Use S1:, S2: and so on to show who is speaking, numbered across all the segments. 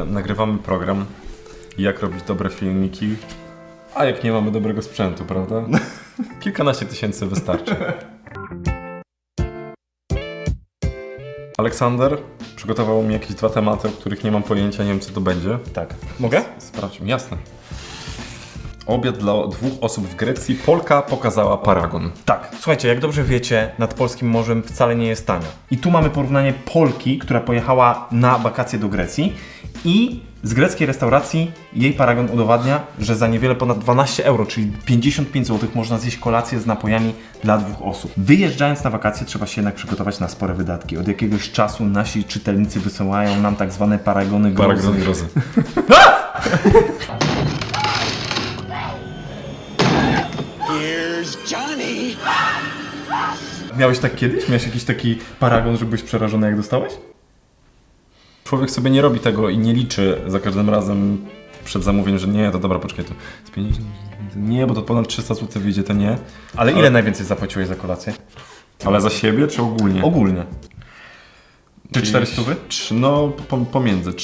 S1: że nagrywamy program, jak robić dobre filmiki, a jak nie mamy dobrego sprzętu, prawda? Kilkanaście tysięcy wystarczy. Aleksander przygotował mi jakieś 2 tematy, o których nie mam pojęcia, nie wiem co to będzie.
S2: Tak. Mogę?
S1: Sprawdźmy, jasne. Obiad dla 2 osób w Grecji. Polka pokazała paragon.
S2: Tak. Słuchajcie, jak dobrze wiecie, nad polskim morzem wcale nie jest tanio. I tu mamy porównanie Polki, która pojechała na wakacje do Grecji i z greckiej restauracji jej paragon udowadnia, że za niewiele ponad 12 euro, czyli 55 zł można zjeść kolację z napojami dla 2 osób. Wyjeżdżając na wakacje trzeba się jednak przygotować na spore wydatki. Od jakiegoś czasu nasi czytelnicy wysyłają nam tak zwane paragony grozy.
S1: Paragon grozy.
S2: Miałeś tak kiedyś? Miałeś jakiś taki paragon, że byłeś przerażony jak dostałeś?
S1: Człowiek sobie nie robi tego i nie liczy za każdym razem przed zamówieniem, że nie, to dobra, poczekaj, to z 50, nie, bo to ponad 300 zł wyjdzie, to nie.
S2: Ale ile najwięcej zapłaciłeś za kolację?
S1: Ale za siebie czy ogólnie?
S2: Ogólnie. Czy 400?
S1: No, pomiędzy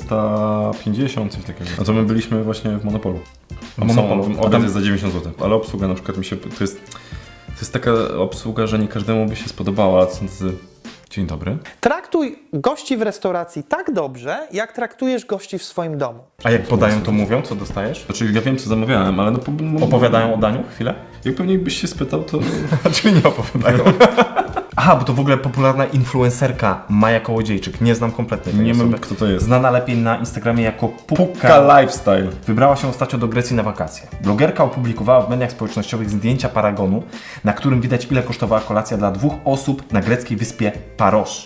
S1: 350, coś takiego. A to my byliśmy właśnie w Monopolu. Obiad jest za 90 zł, ale obsługa na przykład mi się, to jest taka obsługa, że nie każdemu by się spodobała, ale to są tacy... Dzień dobry.
S3: Traktuj gości w restauracji tak dobrze, jak traktujesz gości w swoim domu.
S2: A jak podają, to mówią, co dostajesz?
S1: Znaczy ja wiem co zamawiałem, ale no...
S2: Opowiadają o daniu? Chwilę?
S1: Jak pewnie byś się spytał, to...
S2: Czyli nie opowiadają. Aha, bo to w ogóle popularna influencerka Maja Kołodziejczyk. Nie znam kompletnie tej
S1: Nie
S2: osoby.
S1: wiem kto to jest.
S2: Znana lepiej na Instagramie jako
S1: Pukka Lifestyle.
S2: Wybrała się ostatnio do Grecji na wakacje. Blogerka opublikowała w mediach społecznościowych zdjęcia paragonu, na którym widać ile kosztowała kolacja dla 2 osób na greckiej wyspie Paros.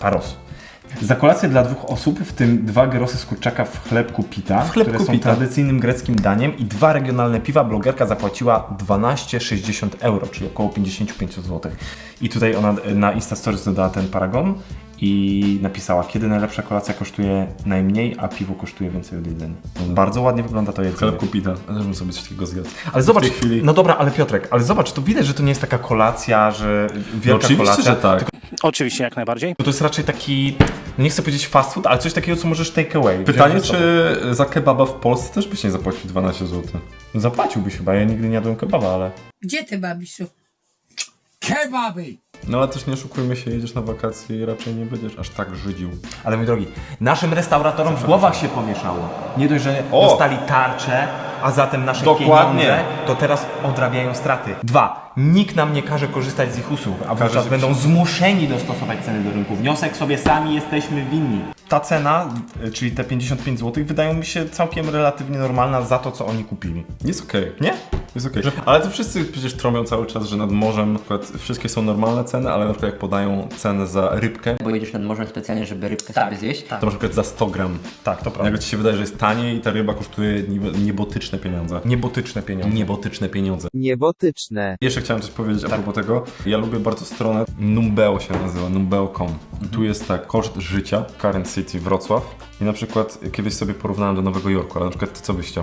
S2: Za kolację dla 2 osób, w tym 2 gyrosy z kurczaka w chlebku pita, które są tradycyjnym greckim daniem i 2 regionalne piwa, blogerka zapłaciła 12,60 euro, czyli około 55 zł. I tutaj ona na Instastories dodała ten paragon i napisała, kiedy najlepsza kolacja kosztuje najmniej, a piwo kosztuje więcej od jedzenia. Bardzo ładnie wygląda to jedzenie.
S1: Chlebku pita. Ja też bym sobie coś takiego zjadł.
S2: Ale zobacz,
S1: w tej chwili...
S2: no dobra, ale Piotrek, ale zobacz, to widać, że to nie jest taka kolacja, że wielka
S1: No oczywiście,
S2: kolacja.
S1: że tak.
S4: Oczywiście, jak najbardziej.
S2: To jest raczej taki, no nie chcę powiedzieć fast food, ale coś takiego, co możesz take away.
S1: Pytanie, czy za kebaba w Polsce też byś nie zapłacił 12 zł?
S2: Zapłaciłbyś chyba, ja nigdy nie jadłem kebaba, ale...
S5: Gdzie ty, babisiu?
S6: Kebaby!
S1: No ale też nie oszukujmy się, jedziesz na wakacje i raczej nie będziesz aż tak żydził.
S2: Ale mój drogi, naszym restauratorom w głowach się pomieszało. Nie dość, że dostali tarczę, a zatem nasze
S1: Dokładnie.
S2: pieniądze, to teraz odrabiają straty. 2. Nikt nam nie każe korzystać z ich usług, a wówczas będą zmuszeni dostosować ceny do rynku. Wniosek sobie sami jesteśmy winni. Ta cena, czyli te 55 zł, wydają mi się całkiem relatywnie normalna za to, co oni kupili.
S1: Jest okej.
S2: Nie?
S1: Jest okej. Ale to wszyscy przecież trąbią cały czas, że nad morzem na przykład wszystkie są normalne ceny, ale na przykład jak podają cenę za rybkę,
S7: Bo jedziesz nad morzem specjalnie, żeby rybkę sobie zjeść.
S1: to na przykład za 100 gram.
S2: Tak, to prawda.
S1: Nagle ci się wydaje, że jest taniej i ta ryba kosztuje niebotyczne pieniądze.
S2: Niebotyczne pieniądze.
S1: Niebotyczne pieniądze.
S6: Niebotyczne.
S1: Jeszcze chciałem coś powiedzieć a propos tego. Ja lubię bardzo stronę Numbeo się nazywa, numbeo.com. Tu jest tak, koszt życia, Current City Wrocław. I na przykład kiedyś sobie porównałem do Nowego Jorku, ale na przykład ty co byś chciał?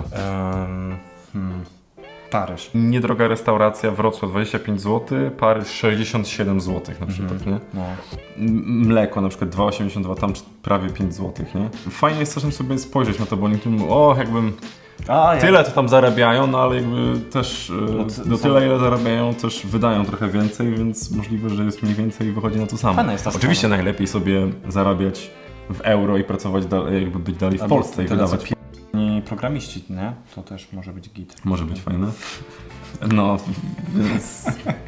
S2: Paryż.
S1: Niedroga restauracja, Wrocław 25 zł, Paryż 67 zł na przykład, nie?
S2: No.
S1: Mleko na przykład 2,82, tam prawie 5 zł, nie? Fajnie jest czasem sobie spojrzeć na to, bo niektórzy mówią, o jakbym tyle to tam zarabiają, no ale jakby też do tyle ile zarabiają też wydają trochę więcej, więc możliwe, że jest mniej więcej i wychodzi na to samo.
S2: Fajna jest ta
S1: Oczywiście najlepiej sobie zarabiać w euro i pracować dalej, jakby być dalej w Polsce i wydawać.
S2: Programiści, nie? To też może być git.
S1: Może być fajne. No, więc